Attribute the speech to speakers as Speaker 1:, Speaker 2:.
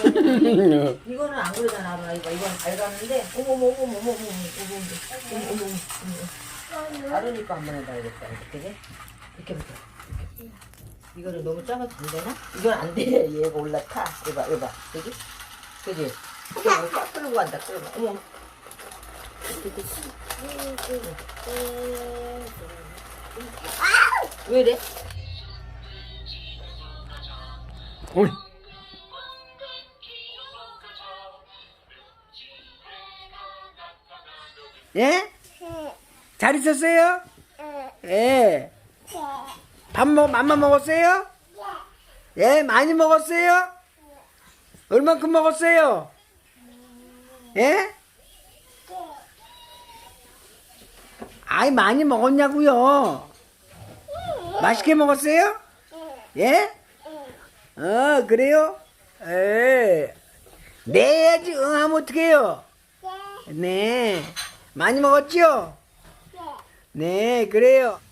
Speaker 1: 이거는 안 그러잖아, 아루나. 이건 밝았는데, 어머머머머머머머머머머머머. 아르니까 한번 해봐야겠다. 이렇게. 이렇게부터. 이렇게. 이거를 너무 작아서 안 되나? 이건 안 돼. 얘가 올라타. 이봐. 그지? 그지? 이거 꽉 끌고 간다. 끌고. 어머. 왜 이래?
Speaker 2: 어이. 예? 잘 있었어요? 예. 맘마 먹었어요? 예, 많이 먹었어요? 얼만큼 먹었어요? 예? 아이, 많이 먹었냐고요? 맛있게 먹었어요? 예? 그래요? 예. 네 해야지, 응 하면 어떡해요? 네. 많이 먹었죠? 네, 그래요.